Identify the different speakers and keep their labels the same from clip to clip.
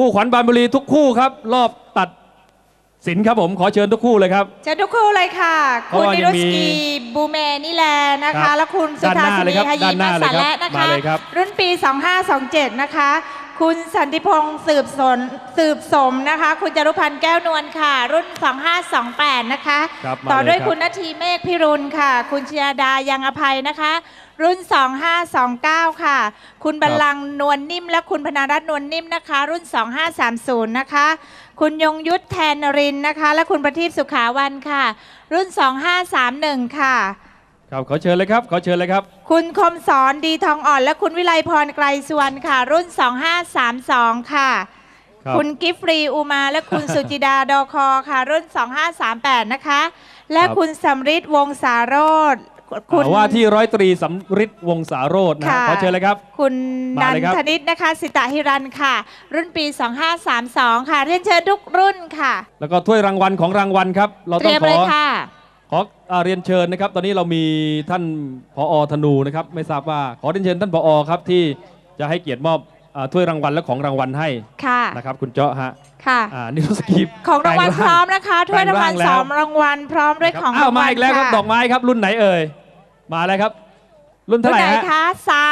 Speaker 1: คู่ขวัญบานบุรีทุกคู่ครับรอบตัดสินครับผมขอเชิญทุกคู่เลยครับ
Speaker 2: เชิญทุกคู่เลยค่ะคุณนิรุสกีบูเมนิแลนะคะและคุณสุธาสินีฮายีมาสาและนะคะรุ่นปี 2527 นะคะคุณสันติพงษ์สืบสมนะคะคุณจารุพันธ์แก้วนวลค่ะรุ่น 2528 นะคะต่อด้วยคุณณทีเมฆพิรุณค่ะคุณชยาดายังอภัยนะคะรุ่น 2529 ค่ะคุณบัลลังก์นวลนิ่มและคุณพนารัตน์นวลนิ่มนะคะรุ่น 2530 นะคะคุณยงยุทธแทนนรินนะคะและคุณประทีปสุขาวันค่ะรุ่น 2531 ค่ะ
Speaker 1: ครับขอเชิญเลยครับขอเชิญเลยครับ
Speaker 2: คุณคมสอนดีทองอ่อนและคุณวิไลพรไกรสุวรรณค่ะรุ่น 2532 ค่ะคุณกิฟฟรีอุมาและคุณสุจิดาดอคอค่ะรุ่น 2538 นะคะและคุณสำริดวงศาโรจน์
Speaker 1: คุณว่าที่ร้อยตรีสำริดวงศาโรจน์นะขอเชิญเลยครับ
Speaker 2: คุณนันทนิตนะคะสิตาหิรันค่ะรุ่นปี 2532 ค่ะเรียนเชิญทุกรุ่นค่ะ
Speaker 1: แล้วก็ถ้วยรางวัลของรางวัลครับเราต้องขอเรียนเชิญนะครับตอนนี้เรามีท่านผอ.ธนูนะครับไม่ทราบว่าขอเรียนเชิญท่านผอ.ครับที่จะให้เกียรติมอบถ้วยรางวัลและของรางวัลให้นะครับคุณเจาะฮะ
Speaker 2: ค่ะ
Speaker 1: นี่รู้สึกกีบ
Speaker 2: ของรางวัลพร้อมนะคะถ้วยรางวัล2 รางวัลพร้อมด้วยของรางวัล
Speaker 1: มาอีกแล้วครับดอกไม้ครับรุ่นไหนเอ่ยมาแล้วครับรุ่นเท่าไหร่
Speaker 2: คะ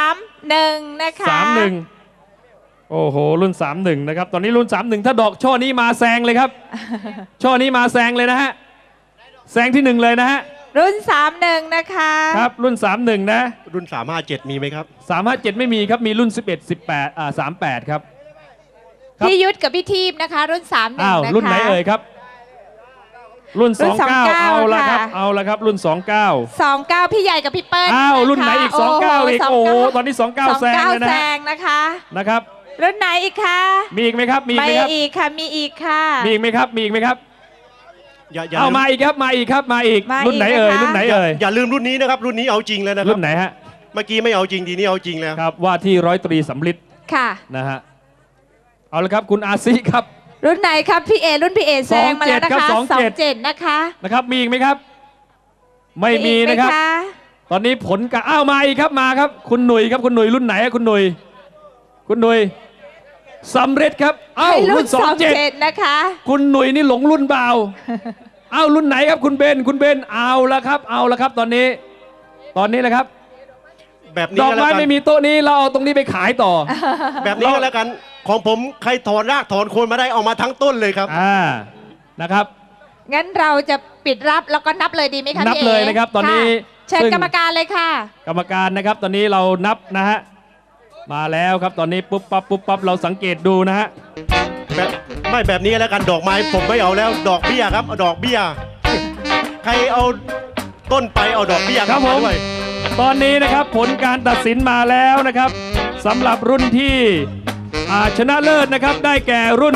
Speaker 2: 31นะคะ
Speaker 1: 31โอ้โหรุ่น31นะครับตอนนี้รุ่น31ถ้าดอกช่อนี้มาแซงเลยครับช่อนี้มาแซงเลยนะฮะแซงที่1เลยนะฮะ
Speaker 2: รุ่น31นะคะ
Speaker 1: ครับรุ่น31นะ
Speaker 3: รุ่น357มีไหมครับ
Speaker 1: 357ไม่มีครับมีรุ่น11 18 38ครับ
Speaker 2: พี่ยุทธกับพี่ทีพนะคะรุ่น31นะคะ
Speaker 1: รุ่นไหนเอ่ยครับรุ่น29เอาละครับเอาละครับรุ่น
Speaker 2: 29พี่ใหญ่กับพี่เปิ้ล
Speaker 1: รุ่นไหนอีก29อีกโอ้โหตอนนี้29แซงเลยนะนะครับ
Speaker 2: รุ่นไหนอีกคะ
Speaker 1: มีอีกไหมครับมีไหมครับ
Speaker 2: อีกค่ะมีอีกค่ะ
Speaker 1: มีอีกไหมครับมีอีกไหมครับเอามาอีกครับมาอีกครับมาอีกรุ่นไหนเอ่ยรุ่นไหนเอ่ย
Speaker 3: อย่าลืมรุ่นนี้นะครับรุ่นนี้เอาจริงเลยนะครับ
Speaker 1: รุ่นไหนฮะ
Speaker 3: เมื่อกี้ไม่เอาจริงทีนี้เอาจริงแล้ว
Speaker 1: ครับว่าที่ร้อยตรีสำริด
Speaker 2: ค่ะ
Speaker 1: นะฮะเอาละครับคุณอาซีครับ
Speaker 2: รุ่นไหนครับพี่เอรุ่นพี่เอแซงมาแล้วนะคะ27นะคะ
Speaker 1: นะครับมีอีกไหมครับไม่มีนะครับตอนนี้ผลการมาอีกครับมาครับคุณหนุ่ยครับคุณหนุ่ยรุ่นไหนคุณหนุ่ยสำเร็จครับ
Speaker 2: รุ่น27นะคะ
Speaker 1: คุณหนุ่ยนี่หลงรุ่นเบารุ่นไหนครับคุณเบนเอาละครับตอนนี้แหละครับ
Speaker 3: แบบนี้
Speaker 1: ดอกไม้ไม่มีโต๊ะนี้เราเอาตรงนี้ไปขายต่อ
Speaker 3: แบบนี้ก็แล้วกันของผมใครถอนรากถอนโคนมาได้เอามาทั้งต้นเลยครับ
Speaker 1: นะครับ
Speaker 2: งั้นเราจะปิดรับแล้วก็นับเลยดีไหมคะ
Speaker 1: นับเลยนะครับตอนนี้
Speaker 2: เชิญกรรมการเลยค่ะ
Speaker 1: กรรมการนะครับตอนนี้เรานับนะฮะมาแล้วครับตอนนี้ปุ๊บปั๊บเราสังเกตดูนะฮะ
Speaker 3: แบบนี้แล้วกันดอกไม้ผมไม่เอาแล้วดอกเบี้ยครับเอาดอกเบี้ยใครเอาต้นไปเอาดอกเบี้ย
Speaker 1: ครับผมตอนนี้นะครับผลการตัดสินมาแล้วนะครับสำหรับรุ่นที่ชนะเลิศนะครับได้แก่รุ่น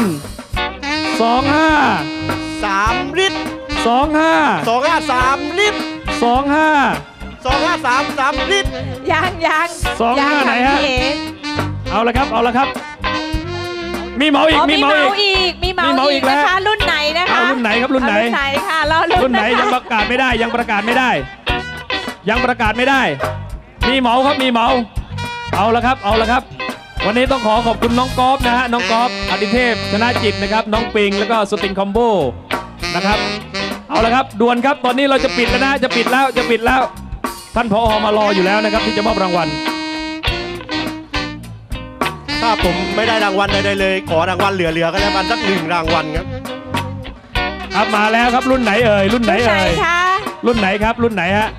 Speaker 3: 3ลิตร3ลิตร3ลิตร
Speaker 2: ยัง
Speaker 1: 25ไหนฮะเอาละครับมีเมาอีก
Speaker 2: นะคะรุ่นไหนนะคะ
Speaker 1: รุ่นไหนครับรุ่นไหน
Speaker 2: ค่ะ
Speaker 1: รุ่นไหนยังประกาศไม่ได้มีเมาครับมีเมาเอาละครับวันนี้ต้องขอบคุณน้องกอล์ฟนะฮะน้องกอล์ฟอดิเทพชนะจิตนะครับน้องปิงแล้วก็สติงคอมโบนะครับเอาละครับด่วนครับตอนนี้เราจะปิดแล้วนะจะปิดแล้วท่านผอ.มารออยู่แล้วนะครับที่จะมอบรางวัล
Speaker 3: ถ้าผมไม่ได้รางวัลใดๆเลยขอรางวัลเหลือก็แล้วกันสัก1 รางวัลครับ
Speaker 1: มาแล้วครับรุ่นไหนเอ่ยรุ่นไหนครับรุ่นไหนฮะครับรุ่นไหนฮะ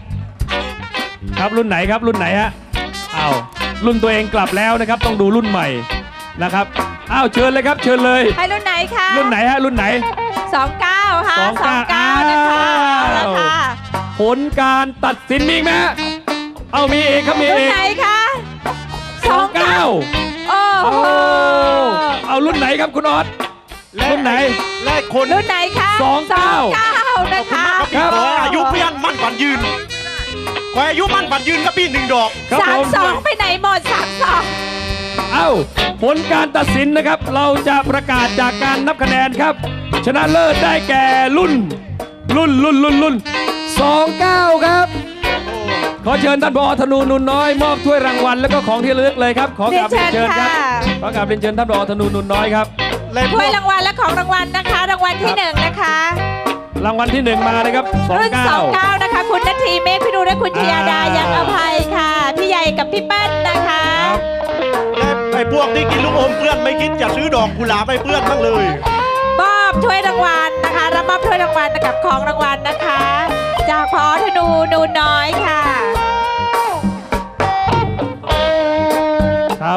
Speaker 1: รุ่นตัวเองกลับแล้วนะครับต้องดูรุ่นใหม่นะครับเชิญเลยครับเชิญเลย
Speaker 2: ให้รุ่นไหนคะ
Speaker 1: รุ่นไหนฮะรุ่นไหน
Speaker 2: 29ค่ะ29นะคะ
Speaker 1: ผลการตัดสินมีไหมมีเอกครับมีเอก
Speaker 2: รุ่นไหนคะ
Speaker 1: 29เอารุ่นไหนครับคุณออสรุ่นไหน
Speaker 3: และคน
Speaker 2: รุ่นไหนคะ29นะคะ
Speaker 3: ขออายุพยัญมั่นฝันยืนขออายุมั่นฝันยืนครับพี่1 ดอก
Speaker 2: 32ไปไหนหมด32
Speaker 1: ผลการตัดสินนะครับเราจะประกาศจากการนับคะแนนครับชนะเลิศได้แก่รุ่น29ครับขอเชิญท่านผอ.ธนูนุนน้อยมอบถ้วยรางวัลแล้วก็ของที่ระลึกเลยครับขอกราบเรียนเชิญครับขอกราบเรียนเชิญท่านผอ.ธนูนุนน้อยครับ
Speaker 3: และพ
Speaker 2: ถ้
Speaker 3: ว
Speaker 2: วย
Speaker 3: ก
Speaker 2: รางวัลและของรางวัลนะคะ รางวัลที่ 1 นะคะ
Speaker 1: รางวัลที่ 1 มาเลยครับ
Speaker 2: รุ่น 29 นะคะ คุณนาทีเมฆพิรุณและคุณชยาดายังอภัยค่ะ พี่ใหญ่กับพี่เปิ้ลนะคะ
Speaker 3: และไอ้พวกที่กินลูกอมเพื่อนไม่คิดจะซื้อดอกกุหลาบให้เพื่อนบ้างเลย
Speaker 2: มอบถ้วยรางวัลนะคะรับมอบถ้วยรางวัลกับของรางวัลนะคะ จากพอธนูนูนน้อยค่ะ
Speaker 1: ครับ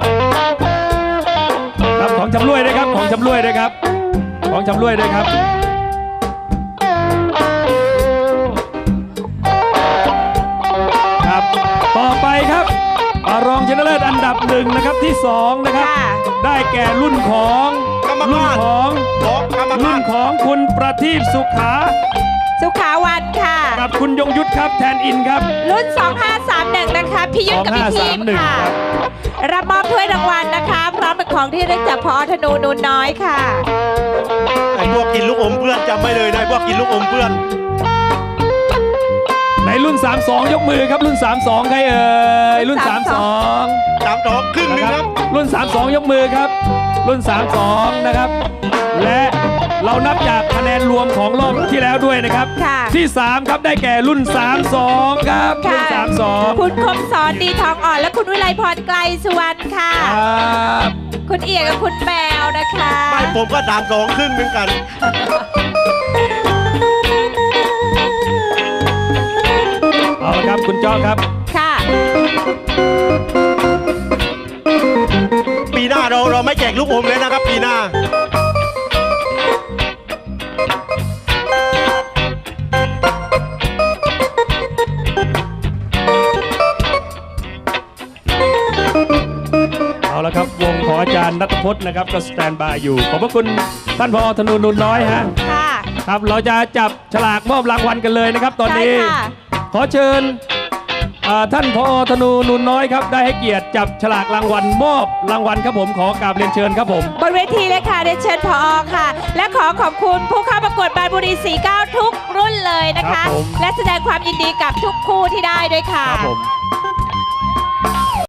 Speaker 1: ครับของชำร่วยด้วยครับของชำร่วยด้วยครับของชำร่วยด้วยครับครับต่อไปครับรองชนะเลิศอันดับ1นะครับที่2นะครับ
Speaker 2: ค่ะ
Speaker 1: ได้แก่รุ่นของ
Speaker 3: กรรม
Speaker 1: รุ่น
Speaker 3: การ
Speaker 1: ของ
Speaker 3: ของกรรม
Speaker 1: รุ่
Speaker 3: กาน ร
Speaker 1: ของคุณประทีปสุขา
Speaker 2: สุขาวันค่ะ
Speaker 1: กับคุณยงยุทธครับแทนอินครับ
Speaker 2: รุ่น 2531 นะคะ พี่ยุทธกับพี่ทีม
Speaker 1: 2531
Speaker 2: ค่ะ
Speaker 1: ครับ
Speaker 2: รับมอบถ้วยรางวัลนะคะ พร้อมกับของที่ระลึกจากพอธนูนูนน้อยค่ะ
Speaker 3: ไอ้พวกกินลูกอมเพื่อนจำไม่เลยนะไอ้พวกกินลูกอมเพื่อน
Speaker 1: ในรุ่น 32 ยกมือครับรุ่น 32 ใครเอ่ยรุ่น 32
Speaker 3: 32ครึ่งหนึงครับ
Speaker 1: รุ่น 32 ยกมือครับ รุ่น 32 นะครับ และเรานับจากคะแนนรวมของรอบที่แล้วด้วยนะครับ
Speaker 2: ค่ะ
Speaker 1: ที่ 3 ครับได้แก่รุ่น 32 ครับ รุ่น
Speaker 2: ค่ะ
Speaker 1: 32
Speaker 2: คุณคมสอนดีทองอ่อนและคุณวิไลพรไกลสุวรรณค่ะ
Speaker 1: ครับ
Speaker 2: คุณเอียกับคุณแมวนะคะ
Speaker 3: ไม่ผมก็32ครึ่งเหมือนกัน
Speaker 1: เอาละครับคุณจ้อครับ
Speaker 2: ค่ะ
Speaker 3: ปีหน้าเราไม่แจกลูกอมเลยนะครับ ปีหน้า
Speaker 1: เอาละครับวงของอาจารย์นัทพจน์นะครับก็สแตนบายอยู่ ขอบพระคุณท่านผอธนูนุนน้อยฮะ
Speaker 2: ค่ะ
Speaker 1: ครับเราจะจับฉลากมอบรางวัลกันเลยนะครับ ตอนนี้
Speaker 2: ใช่ค่ะ
Speaker 1: ขอเชิญท่านผอธนูนุนน้อยครับได้ให้เกียรติจับฉลากรางวัลมอบรางวัลครับผมขอกราบเรียนเชิญครับผม
Speaker 2: บนเวทีเลยค่ะเรียนเชิญพอค่ะ และขอขอบคุณผู้เข้าประกวดบานบุรี 49 ทุกรุ่นเลยนะ
Speaker 1: ครั
Speaker 2: คะ
Speaker 1: บผม
Speaker 2: และแสดงความยินดีกับทุกคู่ที่ได้ด้วยค่ะ
Speaker 1: ครับผม